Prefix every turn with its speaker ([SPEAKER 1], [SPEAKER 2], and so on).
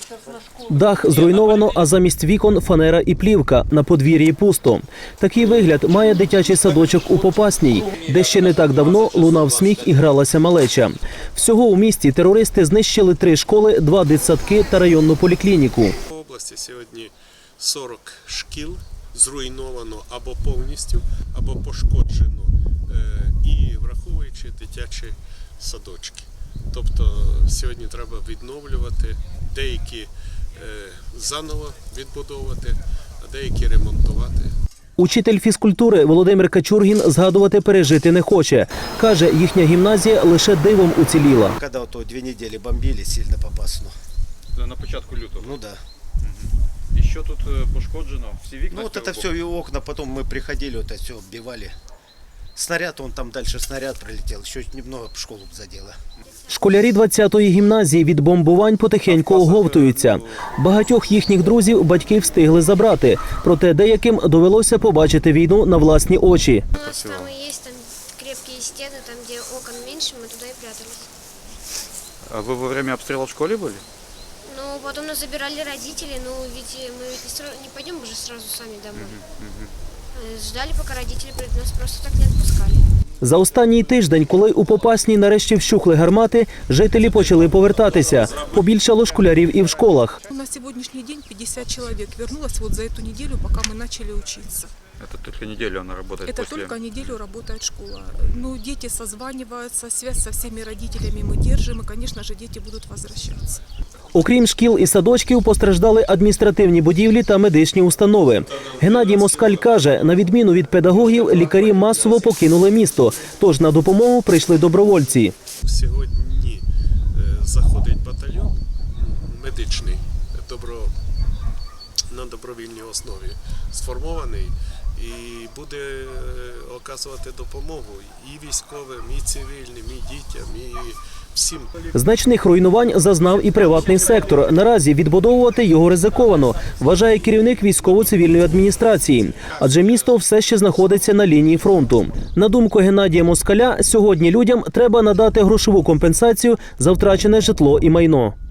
[SPEAKER 1] Дах зруйновано, а замість вікон фанера і плівка. На подвір'ї пусто. Такий вигляд має дитячий садочок у Попасній, де ще не так давно лунав сміх і гралася малеча. Всього у місті терористи знищили 3 школи, 2 дитсадки та районну поліклініку.
[SPEAKER 2] В області сьогодні 40 шкіл зруйновано або повністю, або пошкоджено, і враховуючи дитячі садочки. Тобто сьогодні треба відновлювати, деякі заново відбудовувати, а деякі ремонтувати.
[SPEAKER 1] Учитель фізкультури Володимир Качургін згадувати пережити не хоче. Каже, їхня гімназія лише дивом уціліла.
[SPEAKER 3] Коли ото 2 неділі бомбили сильно Попасну.
[SPEAKER 4] На початку лютого?
[SPEAKER 3] Ну да.
[SPEAKER 4] І що тут пошкоджено? Всі вікна?
[SPEAKER 3] Ну вот это все и окна, потом мы приходили, вот это все оббивали. Снаряд, он там дальше снаряд пролетел, еще немного школу задело.
[SPEAKER 1] Школярі 20-ї гімназії від бомбувань потихеньку оговтуються. Багатьох їхніх друзів батьки встигли забрати, проте деяким довелося побачити війну на власні очі.
[SPEAKER 5] У нас там и есть там крепкие стены, там где окон меньше, мы туда и прятались.
[SPEAKER 4] А вы во время обстрела в школе были?
[SPEAKER 5] Ну, потом нас забирали родители, ну ведь мы ведь не пойдем уже сразу сами домой. Ждали, пока родители придут, нас просто так не отпускали.
[SPEAKER 1] За останній тиждень, коли у Попасній нарешті вщухли гармати, жителі почали повертатися. Побільшало школярів і в школах.
[SPEAKER 6] На сегодняшний день 50 человек вернулось вот за эту неделю, пока мы начали учиться.
[SPEAKER 4] Это только неделю она работает
[SPEAKER 6] Это
[SPEAKER 4] после...
[SPEAKER 6] только неделю работает школа. Ну, дети созваниваются, связь со всеми родителями мы держим, и, конечно же, дети будут возвращаться.
[SPEAKER 1] Окрім шкіл і садочків, постраждали адміністративні будівлі та медичні установи. Геннадій Москаль каже, на відміну від педагогів, лікарі масово покинули місто, тож на допомогу прийшли добровольці.
[SPEAKER 2] Сьогодні заходить батальйон медичний на добровільній основі, сформований і буде оказувати допомогу і військовим, і цивільним, і дітям, і всім.
[SPEAKER 1] Значних руйнувань зазнав і приватний сектор. Наразі відбудовувати його ризиковано, вважає керівник військово-цивільної адміністрації. Адже місто все ще знаходиться на лінії фронту. На думку Геннадія Москаля, сьогодні людям треба надати грошову компенсацію за втрачене житло і майно.